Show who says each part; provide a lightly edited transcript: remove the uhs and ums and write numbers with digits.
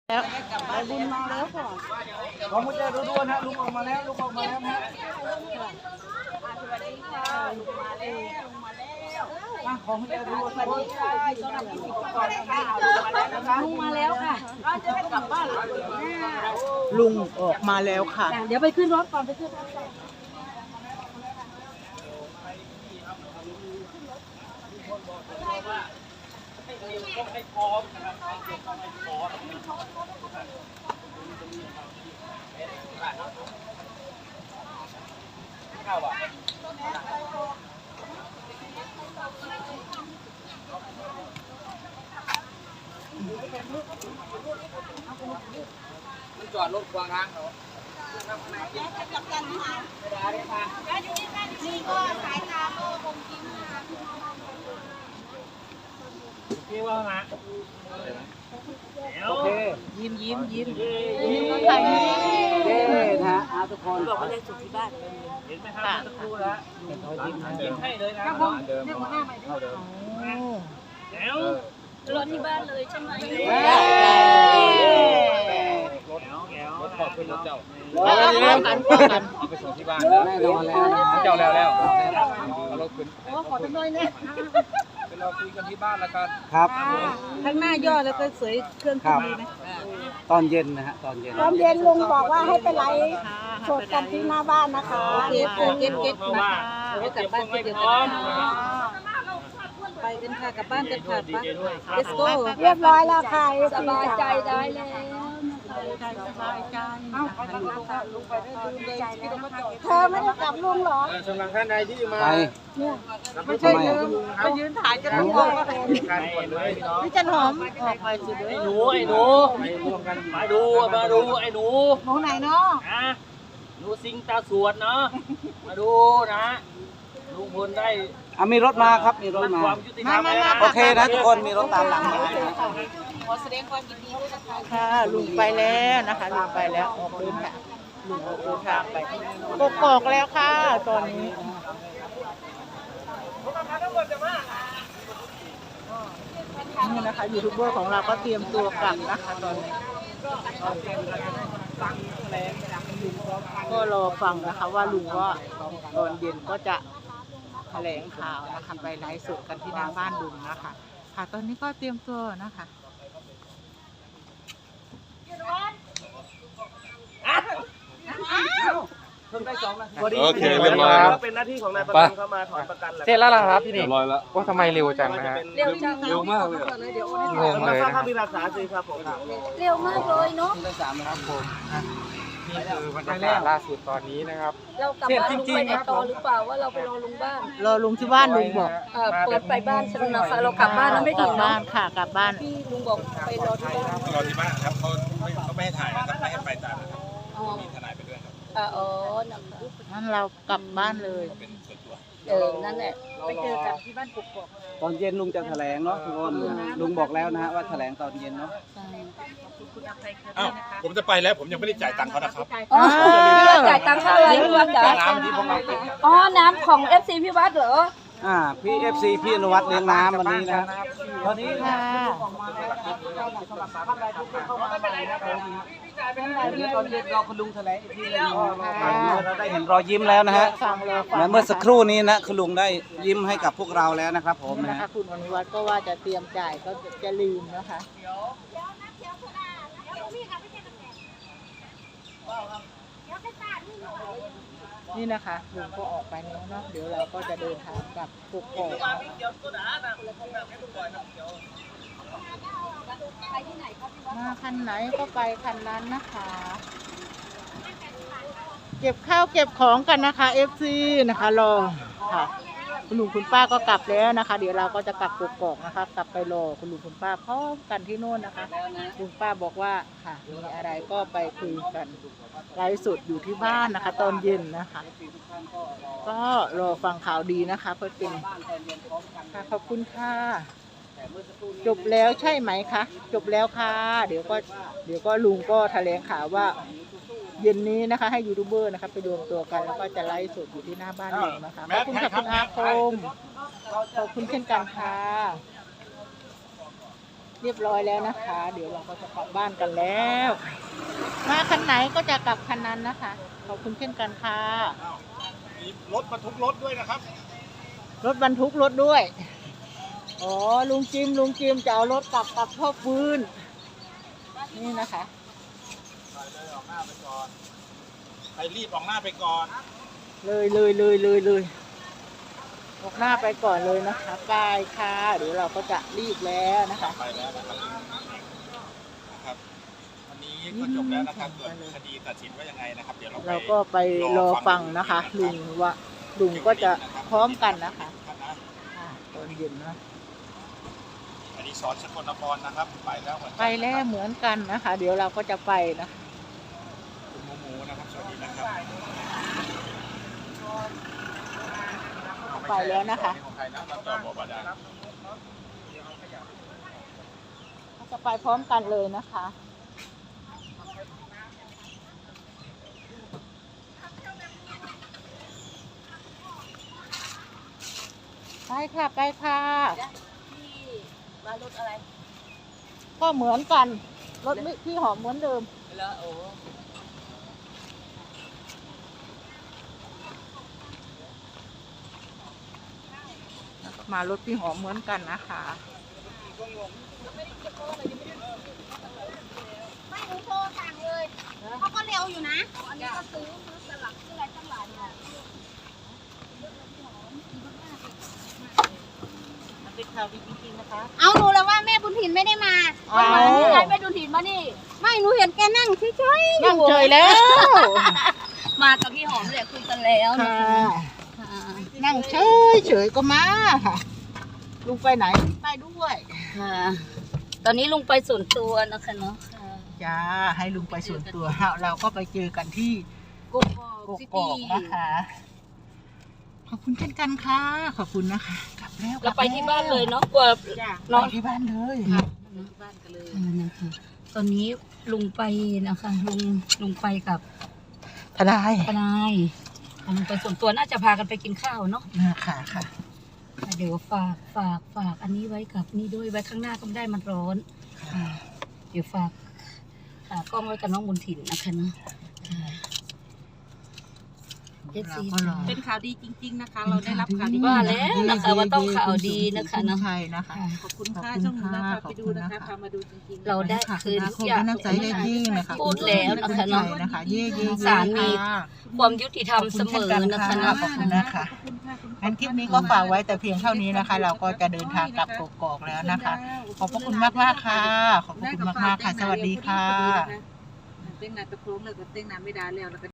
Speaker 1: แล้วไปบุญมาแล้วค่ะ
Speaker 2: ขอมุจจาดูด้วยนะลุงออกมาแล้วลุงออกมาแล้วนะ
Speaker 1: สวัสดีค่ะลุงมาแล้วลุงมาแล้ว
Speaker 2: ขอมุจจาดูสวัสดีค่ะต้อนรับที่ติดต่อนะคะ
Speaker 1: ลุงมาแล้วค่ะ
Speaker 2: จะได้กลับบ้าน
Speaker 1: ลุงออกมาแล้วค่ะเดี๋ยวไปขึ้นรถก่อนไปขึ้นรถก่อน
Speaker 2: มันจอดรถกวางทางเหรอพี่ว่าไงโอเค
Speaker 1: ยิ้มยิ้มยิ้ม
Speaker 2: ก็ถ่ายเย้นะฮะทุกคน
Speaker 1: บอกว่าได้สุขที่บ้าน
Speaker 2: เห็นไหมครับสักครู่แล้วยิ้มให้เลยนะเดิมเท่าเดิมแล้ว
Speaker 1: รถที่บ้านเลยใช่ไหม
Speaker 2: รถขอบคุณรถเจ้า
Speaker 1: กัน
Speaker 2: เอาไปส่งที่บ้านแน่นอนแล้วเจ้าแล้วเอารถขึ้น
Speaker 1: ขอทำหน่อยเนี่ย
Speaker 2: เป็นเราคุยกันที่บ้านแล้วกัน
Speaker 3: ครับ
Speaker 1: ข้างหน้าย่อแล้วก็สวยเครื่องดีไหม
Speaker 3: ตอนเย็นนะฮะตอนเย็
Speaker 4: นลุงบอกว่าให้ไปไลฟ์สดกันที่หน้าบ้านนะคะ
Speaker 1: เก็บนะคะแล้วกลับบ้านเดี๋ยวกันไปกันค่ะกลับบ้านกันค่ะป้า Let's go
Speaker 4: เรียบร้อยแล้วค่ะ
Speaker 1: สบายใจได้แล้วสบายใจ
Speaker 4: เธอไม่ได้กลับลุงหรอ
Speaker 2: สำหรับท่านใดที่มา
Speaker 4: เนี่ย
Speaker 1: ไม่ใช่ไปยืนถ่ายกันทุกคนพี่จันหอมออกไปสิเด้อ
Speaker 2: ไอ้หนูมาดูไอ้หนู
Speaker 1: ไหนเนาะ
Speaker 2: หนูสิงตาสวดเนาะมาดูนะลุงพลได้
Speaker 3: มีรถมาครับมีรถมาโอเคนะทุกคนมีรถตามหลังมา
Speaker 1: ขอแสดงความยินดีด้วยนะคะลุงไปแล้วนะคะลุงไปแล้วออกเดินค่ะลุงออกเดินทางไปกอกแล้วค่ะตอนนี้นี่นะคะยูทูบเบอร์ของเราก็เตรียมตัวกลับนะคะตอนนี้ก็รอฟังนะคะว่าลุงว่าตอนเย็นก็จะแถลงข่าวนะคะไปไลฟ์สดกันที่หน้าบ้านลุงนะคะค่ะตอนนี้ก็เตรียมตัวนะคะ
Speaker 5: โอเคเรียบร้อยครับ
Speaker 2: เป็นหน้าที่ของนายประกันเข้ามาถอนประกันแหละ
Speaker 5: เสร็จแล้วครับพี่นี่เรียบร้อยแล้วว่าทำไมเร็วจังนะฮะ
Speaker 1: เร็วมาก
Speaker 5: เลย
Speaker 2: งงเลยนะมีรักษาสิครับผม
Speaker 4: เร็วมากเลยเนาะ
Speaker 3: ได้3นะครับผม
Speaker 5: นี่คือบรรยากาศล่าสุดตอนนี้นะครับ
Speaker 4: เรากลับบ้านลุงไปต่อหรือเปล่าว่าเราไปรอลุงบ้าน
Speaker 1: รอลุงที่บ้านลุงบอก
Speaker 4: เปิดไปบ้านใช่ไหมคะเรากลับบ้านแล้วไม่ถึง
Speaker 1: บ้านค่ะกลับบ้าน
Speaker 4: พี่ลุงบอกไปรอที่บ้าน
Speaker 5: รอที่บ้านครับเขาไม่ให้ถ่ายนะครับไม่ให้ไปตามนะครับมีทนายไปด้วยครับ
Speaker 4: นะคะ
Speaker 1: งั้นเรากลับบ้านเลย
Speaker 5: เป็นส่วนตัว
Speaker 4: นั่นแหละ
Speaker 1: ไปเจอกันที่บ้านกกอก
Speaker 3: ตอนเย็นลุงจะแถลงเนาะทุกคนลุงบอกแล้วนะฮะว่าแถลงตอนเย็นเนาะ
Speaker 5: ผมจะไปแล้วผมยังไม่ได้จ่ายตังค์เขานะครับ
Speaker 4: จ่ายตังค์เท่าไหร่พี่วัดจ่าย
Speaker 5: น้ำที่ผมเอา
Speaker 4: น้ำของ FC พี่วัดเหรอ
Speaker 3: พี่ FC พี่อนุวัฒน์เลี้ยงน้ำวันนี้นะ
Speaker 1: ตอนนี้ค่ะ
Speaker 3: ตอนเย็นรอคุณลุงแถลงอีกทีนึงเราได้เห็นรอยยิ้มแล้วนะฮะเมื่อสักครู่นี้นะคุณลุงได้ยิ้มให้กับพวกเราแล้วนะครับผม
Speaker 1: นะคะคุณอนุวัฒน์ก็ว่าจะเตรียมจ่ายก็จะลืมนะคะนี่นะคะลุงก็ออกไปแล้วเนาะเดี๋ยวเราก็จะเดินทางกลับกกอกมาคันไหนก็ไปคันนั้นนะคะเก็บข้าวเก็บของกันนะคะ FC นะคะรอค่ะคุณลุงคุณป้าก็กลับแล้วนะคะเดี๋ยวเราก็จะกลับกกอกนะคะกลับไปรอคุณลุงคุณป้าพร้อมกันที่โน่นนะคะลุงป้าบอกว่าค่ะมีอะไรก็ไปคุยกันไลฟ์สดอยู่ที่บ้านนะคะตอนเย็นนะคะก็รอฟังข่าวดีนะคะเพื่อเป็นค่ะขอบคุณค่ะจบแล้วใช่ไหมคะจบแล้วค่ะเดี๋ยวก็ลุงก็แถลงข่าวว่า เย็นนี้นะคะให้ยูทูบเบอร์นะคะไปรวมตัวกันแล้วก็จะไลฟ์สดอยู่ที่หน้าบ้านลุงนะคะขอบคุณค่ะคุณอาคมขอบคุณเช่นกันค่ะเรียบร้อยแล้วนะคะ เดี๋ยวเราก็จะกลับบ้านกันแล้ว มาคันไหนก็จะกลับคันนั้นนะคะขอบคุณเช่นกันค่ะ
Speaker 5: มีรถบรรทุกรถด้วยนะครับ
Speaker 1: รถบรรทุกรถด้วยอ๋อลุงจิมจะเอารถกลับกับพ่อฟืนนี่นะคะ
Speaker 5: ไปเลยออกหน้าไปก่อนไปรีบออกหน้าไปก่อน
Speaker 1: เลยออกหน้าไปก่อนเลยนะคะกายค่ะเดี๋ยวเราก็จะรีบแล้วนะคะ
Speaker 5: ไปแล้วนะครับวันนี้ก็จบแล้วนะครับส่วนคดีตัดสินว่ายังไงนะครับ เดี๋ยวเรา
Speaker 1: เราก็ไปรอฟังนะคะลุงก็จะพร้อมกันนะคะตอนเย็นนะ
Speaker 5: อันนี้สอนสกลนครนะครับไปแล้วเหมือนกัน
Speaker 1: ไปแล้วเหมือนกันนะคะ เดี๋ยวเราก็จะไปนะ
Speaker 5: คุณหมูนะครับสวัสดีนะครับ
Speaker 1: ไปแล้วนะคะ
Speaker 5: ของใครนะรับจอบบ่อดา
Speaker 1: จะไปพร้อมกันเลยนะคะไปค่ะไปค่ะ
Speaker 4: มารถอะไร
Speaker 1: ก็เหมือนกันรถพี่หอมเหมือนเดิม
Speaker 4: แล้วโอ้
Speaker 1: มารถพี่หอมเหมือนกันนะคะ
Speaker 4: ไม่รู้โทรสั่งเลยเขาก็เร็วอยู่นะอันนี้ก็ซื้อสลักซื้ออะไรตั้งหลายเนี่ย
Speaker 1: มันเป็นข่าวดีจริงๆนะคะ
Speaker 4: เอาหนูแล้วว่าแม่บุญถิ่นไม่ได้มา
Speaker 1: เอา
Speaker 4: ยายแม่บุญถิ่นมานี่ไม่หนูเห็นแกนั่งเฉยๆ
Speaker 1: นั่งเฉยแล้ว
Speaker 4: มากับพี่หอมเลยคุยกันแล้วนะ
Speaker 1: ค่ะ
Speaker 4: ค่ะ
Speaker 1: นั่งเฉยก็มาค่ะลุงไปไหนไปด้วย
Speaker 4: ค่ะ ตอนนี้ลุงไปส่วนตัวนะคะเนาะค่ะ
Speaker 1: จ้าให้ลุงไปส่วนตัวเราก็ไปเจอกันที่
Speaker 4: กุ๊ก
Speaker 1: กกอกนะคะขอบคุณเช่นกันค่ะขอบคุณนะคะกลับแล้ว
Speaker 4: เราไปที่บ้านเลยเนาะกลัว
Speaker 1: จ้า
Speaker 4: เนาะ
Speaker 1: ไปที่บ้านเลย
Speaker 4: บ้านกันเลยนะคะตอนนี้ลุงไปนะคะลุงไปกับ
Speaker 1: ทนาย
Speaker 4: ทนายลุงไปส่วนตัวน่าจะพากันไปกินข้าวเนาะ
Speaker 1: ค่ะค่ะ
Speaker 4: เดี๋ยวฝากอันนี้ไว้กับนี่ด้วยไว้ข้างหน้าก็ไม่ได้มันร้อนค่ะเดี๋ยวฝากกล้องไว้กับน้องบุญถิ่นนะคะเนาะเอฟซี
Speaker 2: เป็นข่าวดีจริงๆนะคะ เราได้รับข่าวดี
Speaker 4: ว่าแล้วนะคะว่าต้องข่าวดีนะคะเนาะ
Speaker 1: ใช่นะคะ
Speaker 2: ขอบคุณค่ะช่องหนูนะพาไปดูนะคะพามาดูจริงๆ
Speaker 4: เราได้คืนทุกอย่าง
Speaker 1: น้ำใจได้ยิ่งนะคะ
Speaker 4: พูดแล้วนะคะเนาะ
Speaker 1: นะคะเย่
Speaker 4: ศาลมีความยุติธรรมเสมอนะคะเนาะ
Speaker 1: ขอบคุณนะคะงั้นคลิปนี้ก็ฝากไว้แต่เพียงเท่านี้นะคะ เราก็จะเดินทางกลับกกอกแล้วนะคะ ขอบพระคุณมากๆค่ะ ขอบพระคุณมากๆค่ะ สวัสดีค่ะ
Speaker 2: เต้นนานตะโครงเลยก็เต้นนานไม่ได้แล้ว